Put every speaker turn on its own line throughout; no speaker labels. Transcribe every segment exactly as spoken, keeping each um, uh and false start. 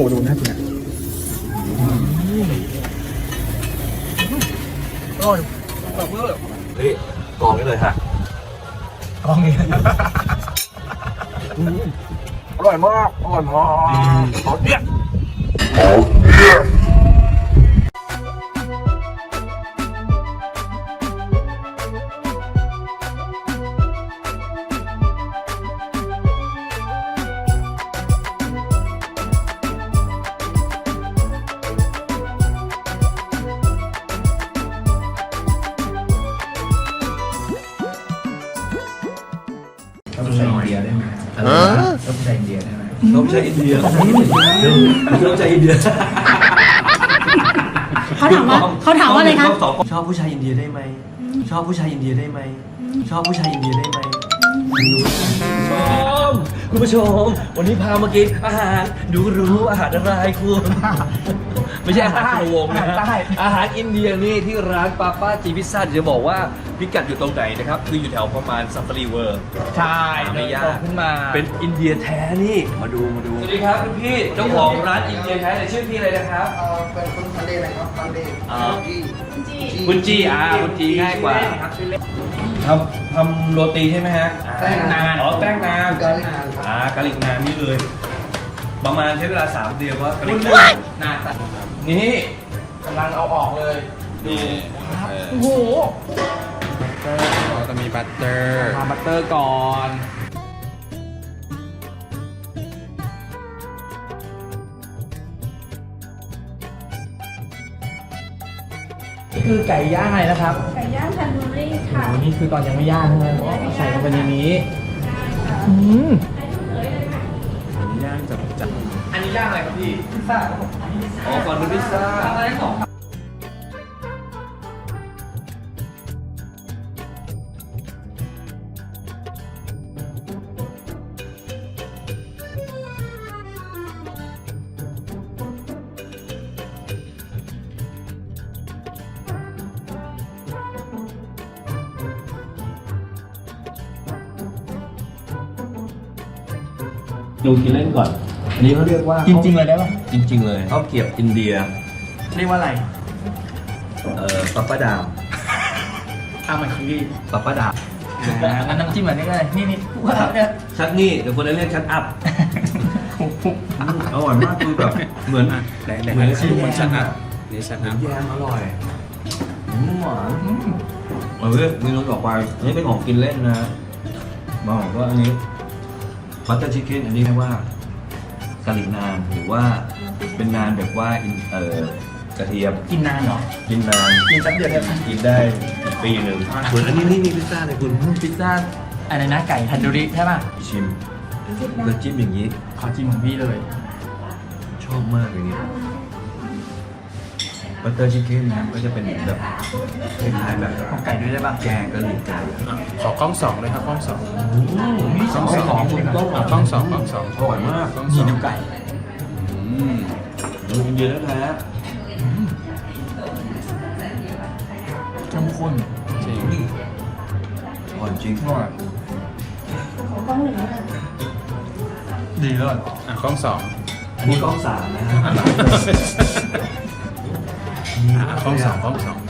ดูน่ากินอ่ะอร่อยแบบเวอร์เฮ้ยกองนี้เลยฮะกองนี้อร่อยมากอร่อยมากขอเนี่ยต้องใช้อินเดียได้ไหมต้องใช้อินเดียได้ไหมต้องใช้อินเดียต้องใช้อินเดีย
เขาถามว่าเขาถามว่าอะไรคะ
ชอบผู้ชายอินเดียได้ไหมชอบผู้ชายอินเดียได้ไหมชอบผู้ชายอินเดียได้ไหมชมคุณผู้ชมวันนี้พามากินอาหารดูรู้อาหารอะไรคุณไม่ใช่อาหารโรงนะอาหารอินเดียนี่ที่ร้านปาป้าจีพิซซ่าจะบอกว่าพิกัดอยู่ตรงไหนนะครับคืออยู่แถวประมาณซัฟฟารีเวิร์ใช่ไม่ยากขึ้นมาเป็นอินเดียแท้นี่มาดูมาดูสวัสดีครับคุณพี่เจ้าของร้านอินเดียแท้เนี่ยชื่อพี่อะไรนะครับ
เป็นคุณพันเดนะครับพันเด
คุณจีอ่าคุณจีง่ายกว่าทำทำโรตีใช่ไหมฮะ
แป้งนาน
อ๋อแป้งนาน
กาลิกนาน
อ่ากาลิกนานนี่เลยประมาณใช้เวลาสามเดือนว่ากาลิกนานนานนี่กำลังเอาออกเลยนี่โอ้โห
เราจะมีบัตเตอร์
ทาบัตเตอร์ก่อนนี่คือไก่ย่างอะไรนะครับ
ไก่ย่างทันดูรี่ค่ะ
โอ้นี่คือตอนยังไม่ย่างใช่ไหมใส่ลงไปในนี้อืมย่างจับจับอันนี้ย่างอะไรครับพี่พิซซ่าอ๋อก่อนเป็นพิซซ่าอะไรสองดูกินเล่นก่อนอันนี้เขาเรียกว่า
จริงๆเลยได้ป่ะ
จริงๆเลยข้าวเกรี๊ยวอินเดีย
เรียกว่าอะไร
เอ่อปัปปะดาม
อ้าวมันคือ
ปัปปะดาม
อันน้ำจิ้มแบบนี้ก็เลยนี่นี่ว่าเนี่ย
ชัดนี่เดี๋ยวคนนั้นเรียกชัดอัพอร่อยมากคือแบบเหมือน
เหมือนชิมมันชัดอัพนี่ชัดอัพ
แยมอร่อยหวานเออนี่น้องบอกไปอันนี้เป็นของกินเล่นนะบอกว่าอันนี้บัตเตอร์ชิคเก้นอันนี้เรียกว่ากะหรี่นานหรือว่าเป็นนานแบบว่าเอ่อกระเทียม
กินนานเหรอ
กินนาน
กินสักเดือนได้
กินได้ปีหนึ่งส่วนอันนี้นี่มีพิซซ่าเลยคุณ
พิซซ่าอะไรนะไก่ทันดูริใช่ป่ะ
ชิมแล้วจิ้มอย่างนี้
ขอจิ้มของพี่เลย
ชอบมากอย่างนี้บัตเตอร์ชิคเก้นนะก็จะเป็นแบบคล้ายๆแบบ
ของไก่ด้วยได้ป่ะ
แกงกะหรี่ไก่
ขอกล้องสองเลยครับกล้องสอง
กล้องสอง
กล้องสองกล้องสอง
อร่อยมาก
มีดูไก่
ดูอินเดียแท้
เข้มข้นจริง
อร่อยจริง
อร่อยดีเลยอ่ะกล้องสอง
อันนี้กล้องสามนะ
กล้องสองกล้องสอง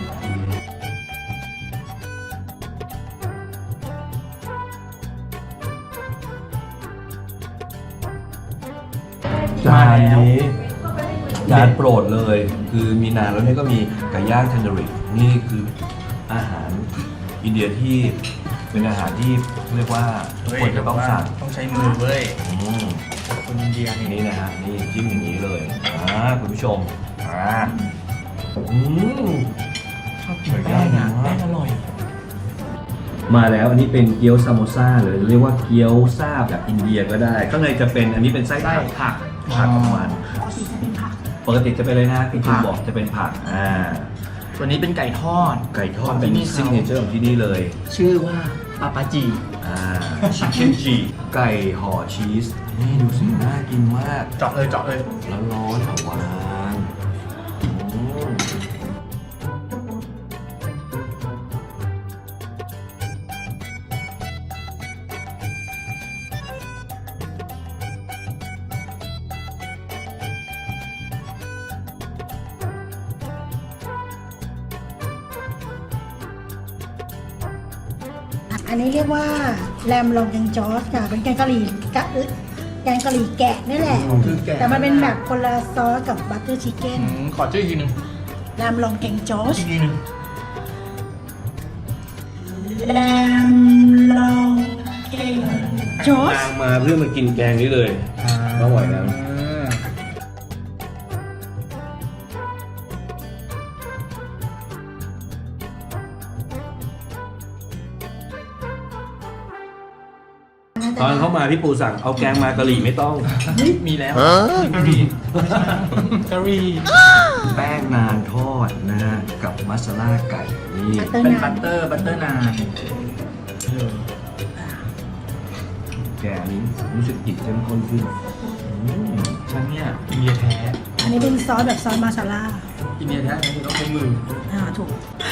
จานนี้จานโปรดเลยคือมีนานแล้วนี่ก็มีไก่ย่างเทนเดอรินี่คืออาหารอินเดียที่เป็นอาหารที่เรียกว่าทุกคนจะต้องสั่ง
ต้องใช้มือเว้ย
คนอินเดียนี่นะฮะนี่จิ้มอย่างนี้เลยอ่าคุณผู้ชมอ่าอืม
ชอบกินแป้งอ่ะแป้งอร่อย
มาแล้วอันนี้เป็นเกี๊ยวซามโมซ่าหรือเรียกว่าเกี๊ยวซ่าแบบอินเดียก็ได้ข้างในจะเป็นอันนี้เป็นไส้ผักผักผักของมันปกติจะเป็นอะไรนะคุณคุณบอกจะเป็นผักอ่า
ตัวนี้เป็นไก่ทอด
ไก่ทอดเป็นซิกเนเจอร์ของที่นี่เลย
ชื่อว่าปาปาจี
อ่าชิคเก้นจีไก่ห่อชีสนี่ดูสิน่ากินมาก
เจาะเลยเจาะเลย
แล้วร้อนหวาน
อันนี้เรียกว่าแรมลองแกงจอสค่ะเป็นแกงกะหรี่กะแกงกะหรี่แกะนี่แหละ
คือแกะ
แต่มันเป็นแบบคนละซอสกับบัตเตอร์ชิคเก้น
อืมขอชื่ออีกทีหนึง
แรมลองแกงจอส
อีกทีหนึง
แรมลองแกงจอส
นางมาเพื่อมากินแกงนี้เลยก็ไหวแล้ว ตอนเข้ามาพี่ปูสั่งเอาแกงมากะหรี่ไม่ต้อง
มีแล้วกะหรี่กะหรี่
แป้งนานทอดนะฮะกับมัสลาไก่นี่
บัตเตอร์
เป็น
นา
บั
น
ตเตอร์บัตเตอร์นาน
แกงนี้รู้สึกกลิ่นเข้มข้นขึ้นอืม
ฉันเนี่ยอินเดียแท้
อันนี้เป็นซอสแบบซอสมาซาล่า
อินเดียแท้คือต้องใช้มือ
อ่าถูก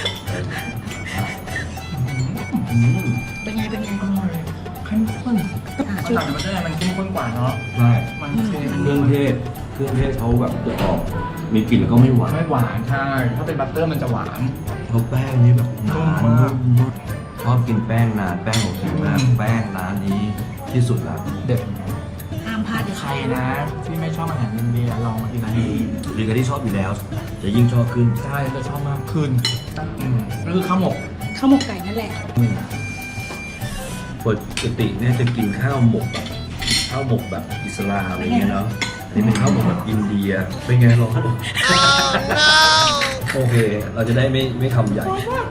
อืม
เป็นไงเป็นไง
อร่อยเข้มข้น
อ่า
มัน
ชื่อ
ต่างจากบัตเตอร์นานมันเข้มข้นกว่าเนาะ
ใช่
มันเค็ม
เครื่องเทศเครื่องเทศเขาแบบจะออกมีกลิ่นแล้วก็ไม่หวาน
ไม่หวานใช่ถ้าเป็นบัตเตอร์มันจะหวาน
เขาแป้งนี้แบบหนา
นุ่ม
นุ่
มาก
มมากชอบกินแป้งนานแป้งโอเคมาก
อืม
แป้งร้านนี้ที่สุดละ
เด็ด
ห้ามพลาดเด็ด
ใคร
ขาด
นะที่ไม่ชอบอาหารอินเดียลองมากินร้านนี้
หรือกับที่ชอบอยู่แล้ว จะยิ่งชอบขึ้น
ใช่จะชอบมากขึ้นอืมก็คือข้าวหมก
ข้าวหมกไก่นั่นแหละ
ปกติเนี่ยจะกินข้าวหมกแบบข้าวหมกแบบอิสลามอะไรเงี้ยเนาะอันนี้เป็นข้าวหมกแบบอินเดียเป็นไงลองดูโอเค เราจะได้ไม่ไม่คำใหญ่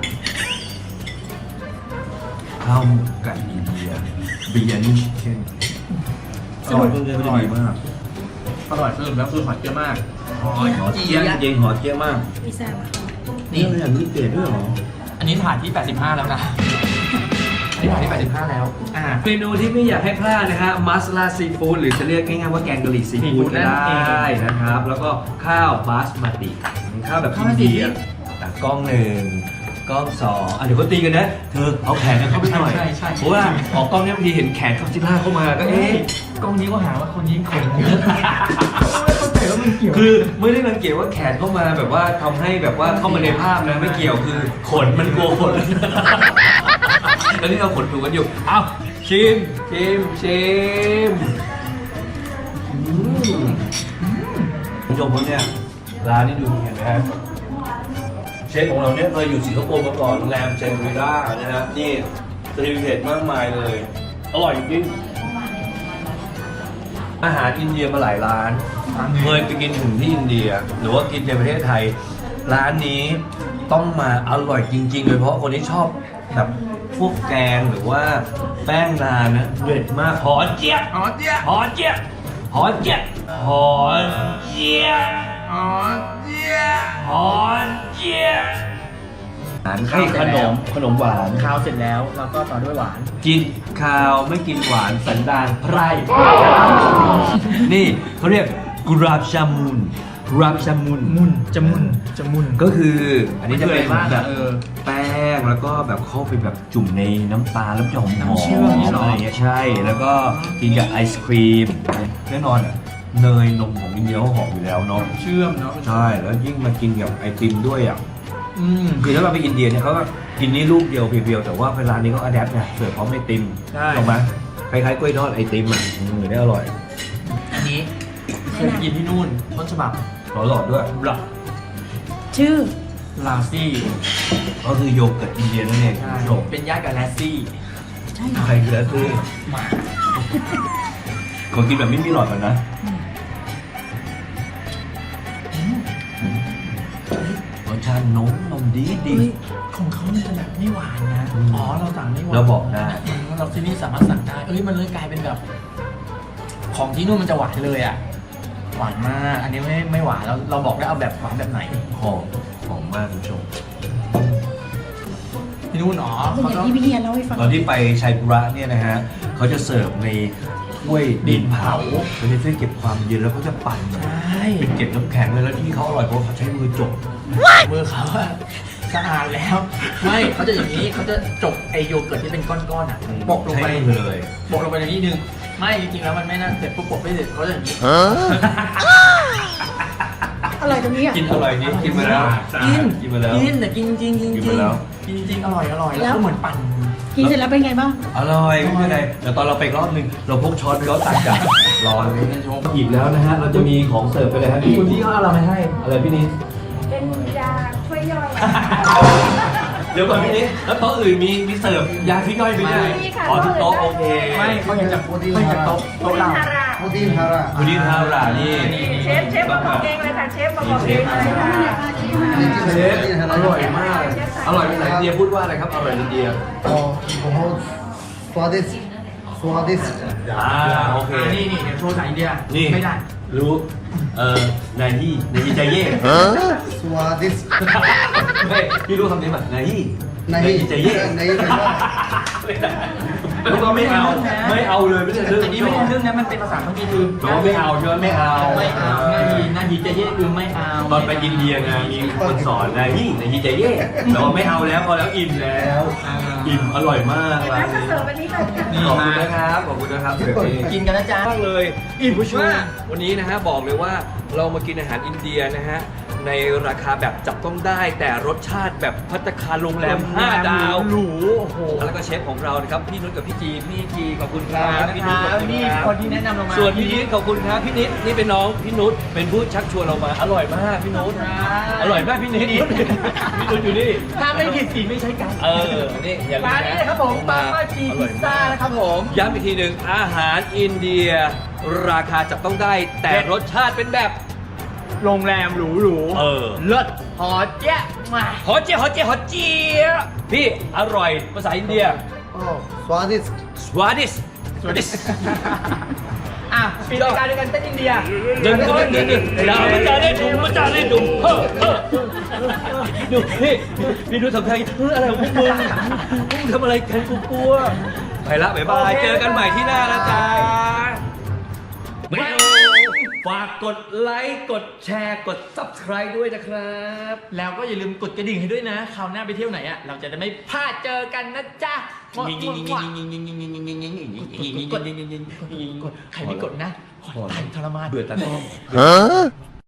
ข้าวหมกไก่อินเดียบิยานิชิคเก้นอร่อยเพื่อนๆก็จะดีมาก
อร่อยสรุปแล้วคือหอยเยอะมากหอย
หอเจี๊ยบเย็นหอเจี๊ยบมาก
พิซซ่าว่ะ
นี่เป็นอย่างนี้เกรดด้วยเหรอ
อันนี้ถ่ายที่แปดสิบห้าแล้วนะอันนี้ถ่ายที่แปดสิบห้าแล้วอ่า
เมนูที่ไม่อยากให้พลาดนะฮะมัสลาซีฟู้ดหรือจะเรียกง่ายๆว่าแกงกะหรี่ซีฟู้ดก็ได้นะครับ แล้วก็ข้าวบาสมาติข้าวแบบอินเดียอ่ะกล้องหนึ่งกล้องสองอ่ะเดี๋ยวก็ตีกันนะ เธอเอาแขนกันเข้าไปหน่อย
ใช่ใช่
เพราะว่าออกกล้องเนี่ยบางทีเห็นแขนคาซิล่าเข้ามาก็เอ๊ะ
กล้องนี้ก็หาว่าคนยิ้มขนไม่เข้าใจว่ามันเกี่ยว
คือไม่ได้รังเกียจว่าแขนเข้ามาแบบว่าทำให้แบบว่าเข้ามาในภาพนะไม่เกี่ยวคือขนมันกลัวขน แล้วนี่เราขนถูกกันอยู่เอ้าชิมชิมชิมอืมคุณผู้ชมคนเนี่ยร้านนี้ดูเห็นไหมฮะเชฟของเราเนี่ยเคยอยู่สิงคโปร์มาก่อนโรงแรมเจนวิล่านะครับนี่สตรีทเทดมากมายเลย อร่อยจริงอาหารอินเดียมาหลายร้าน เคยไปกินถึงที่อินเดีย หรือว่ากินในประเทศไทย ร้านนี้ต้องมาอร่อยจริงๆเลยเพราะคนที่ชอบแบบพวกแกงหรือว่าแป้งนานนะเด็ดมากหอมเจี๊ยบ
อ๋อเจี๊ยบ
หอมเจี๊ยบหอมเจี๊ยบหอมเจี๊ยบ
อ๋อเจี๊ยบ
หอมเจี๊ยบอาหารให้ขนมขนมหวาน
ข้าวเสร็จแล้วเราก็ต่อด้วยหวาน
กินข้าวไม่กินหวานสันดานไพร่ นี่เขาเรียกกุราบชามุนกุราบชามุน
มุนจะมุนจะมุน
ก็คืออันนี้จะเป็น
มันคืออะไรบ้าง
แบบ
เออ
แป้งแล้วก็แบบเข้าไปแบบจุ่มในน้ำตาลแล้วจะหอมหอ
น้ำ
ม
เชื่อมนี่เหรออ
อะไรอย่างเงี้ยใช่ แล้วก็กินกับไอศครีมแน่นอนอะเนยนมของอินเดียเขาหอมอยู่แล้วเนาะ
เชื่อมเนาะ
ใช่แล้วยิ่งมากินกับไอติมด้วยอ่ะ
อืม
คือถ้าเราไปอินเดียเนี่ยเขาก็กินนี่ลูกเดียวเพียวๆแต่ว่าเวลานี้เขาอัดแอปไงเสิร์ฟพร้อมไอติม
ใช่
ถูกไหมคล้ายๆกล้วยทอดไอติมอ่ะอืมได้อร่อย
อันนี้เคยกินที่นู่นต้นฉบับ
หลอดด้วย
หลัก
ชื่อ
ลาซี่
ก็คือโยเกิร์ตอินเดียนั่นเองคุณ
ใช่
ผู้ชม
เป็นญาติกับแลซี่
ใช่เหรอ
ใครคือแอปซี่
หมา
ขอกินแบบไม่มีหลอดก่อนนะรสชาตินมนมดีดี
เฮ้ย
ของเขามันจะแบบไม่หวานนะ
อืม
อ๋อเราสั่งไม่หวาน
เราบอกได้
อืมเราที่นี่สามารถสั่งได้เอ้ยมันเลยกลายเป็นแบบ ของที่นู่นมันจะหวานเลยอ่ะหวานมากอันนี้ไม่ไม่หวานเราเราบอกได้เอาแบบหวานแบบไหน
หอมหอมมากคุณผู้ชม
ที่นู่นอ๋อ
เป็น
เขา
อย่าง
ต้อง
ที่พี่เฮียเล่าให้ฟัง
ตอนที่ไปชัยปุระเนี่ยนะฮะเขาจะเสิร์ฟในถ้วยดินเผาเป็นถ้วยเก็บความเย็นแล้วเขาจะปั่น
ใช่
เป็นเก็บน้ำแข็งเลยแล้วที่เขาอร่อยเพราะเขาใช้มือจบ
มือเขาอะสะอาดแล้ว ไม่เขาจะอย่างนี้เขาจะจกไอโยเกิร์ตที่เป็นก้อนๆอ่ะโปะลงไป
ใช้มือเลย
โปะลงไปในนี้นึงไม่จริงๆแล้วมันไม่น่าเสร็จปุ๊บโปะไม่เสร็จเขาจะอย่างนี้
อร่อยตรงนี้อ่ะ
กินอร่อยนี่กินมาแล้ว
กิน
กินมาแล้ว
กินแต่กินจริงๆจริง
กิน
จริ
มาง แล้ว
จริงๆอร่อยอร่อย
แล้
แล้ว วก็เหมือนปั่น
กินเสร็จแล้วเป็นไงบ้าง
อร่อยไม่เป็นไรเดี๋ยวตอนเราไปอีกรอบหนึงเราพกช้อนไปแล้วตักกันรอเลยอิ่มแล้วนะฮะเราจะมีของเสิร์ฟไปเลยครับคุณพี่เขาเอาอะไรมาให้อะไรพี่นิด
เป็นยาช่วยย่อย
เดี๋ยวก่อนพี่นิดแล้วโต๊ะอื่นมีมีเสิร์ฟยาที่ย่อยไปด้วย
มีค่ะ
อ๋อทุกโต๊ะโอเค
ไม่เขาอยากจะเขาอยากจะโต๊ะ
คุ
โต๊ะ
ณ
เรา
ฮารา
พุดดิ้งฮาระ
คุณนิดทารานี่
เชฟเชฟมาบอกเองเลยค่ะเชฟมาบอกเองเลยค่ะ
เชฟอร่อยมาก อร่อยภาษาอินเดียพูดว่าอะไรครับ อร่อยอินเดีย
อ๋อโอ้โหสวัสดีสวัสดี
อ่าโอเค
อ่านี่นี่เดี๋ยวโชว์สายอินเดีย
นี่
ไม่ได้
รู้ เออนายฮีนายฮีใจเย่
สวัสดี
ไม่พี่รู้คำนี้ป่ะนายฮี
นายฮี
ใจเย่
นายฮีไม่ได้
ไม่ได้แล้วก็ไม่เอา ไม่เอาเลยไม่ใช่เรื่อง
แต่นี่ไม่ใช่เรื่องนั้นมันเป็นภาษาคัมภีร์คือ
บอกว่าไม่เอาใช่ไหมไม่เอา
ไม่เอาหน้ายีหน้ายีจะเย่คือไม่เอา
ตอนไปอินเดียไงมีคนสอนนายฮีนายฮีใจเย่แต่ว่าไม่เอาแล้วพอแล้วอิ่มแล้ว อิ่มอร่อยมากร้า
แล้ว
น
ก็
นี้
เสิร์ฟอันนี้ก่อนค่ะ
นี่
ขอบคุณ
มา
นะครับขอบคุณนะครับ
กินกันนะจ๊ะ
มากเลยอิ่มผู้ชมวันนี้นะฮะบอกเลยว่าเรามากินอาหารอินเดียนะฮะในราคาแบบจับต้องได้แต่รสชาติแบบภัตตาคารโรงแรมห้าดาว
หรูโอ้โห
แล้วก็เชฟของเรานะครับพี่นุชกับพี่จีพี่จีขอบคุณครับ
นะ
พี่
ค
นุช
รั
ขอ
บบ
คุณ
นี่
ครับ
คนที่แนะนำเรามา
ส่วนพี่นิดขอบคุณครับพี่นิดนี่เป็นน้องพี่นุชเป็นผู้ชักชวนเรามาอร่อยมากพี่นุชอร่อยมากพี่นิดพี่นุชอยู่นี่
ถ้าไม่ผิดสีไม่ใช่กัน
เออนี่อย่าง
ร้านนี้นะครับผมปามาจี
อร่
พิ
อย
ซซ่าม
าก
นะครับผม
ย้ำอีกทีหนึ่งอาหารอินเดีย ราคาจับต้องได้แต่รสชาติเป็นแบบ
โรงแรมหรูหรู
เออ
เลิศหอเจ๊ะมา
ฮอเจียฮอเจียฮอเจียพี่อร่อยภาษาอินเดีย
โอ้สวัสดี
สวัสดีสวัสดี
อ่ะปิดรายการด้วยกันเต้นอินเดีย
เดินเดินเดินเดินดาวมันจะได้ดุมมันจะได้ดุมเฮ้อเฮ้อดูพี่พี่ดูทำไงเอออะไรของพวกมึงพวกมึงทำอะไรกันกูกลัวไปละบ๊ายบายเจอกันใหม่ที่หน้านะจ๊ะไม่เอาฝากกดไลค์กดแชร์กด ซับสไครบ์ ด้วยนะครับ
แล้วก็อย่าลืมกดกระดิ่งให้ด้วยนะคราวหน้าไปเที่ยวไหนอ่ะเราจะได้ไม่พลาดเจอกันนะจ๊ะกดกดกดใครไม่กดนะขอตายทรมาน
เบื่อตากล้อง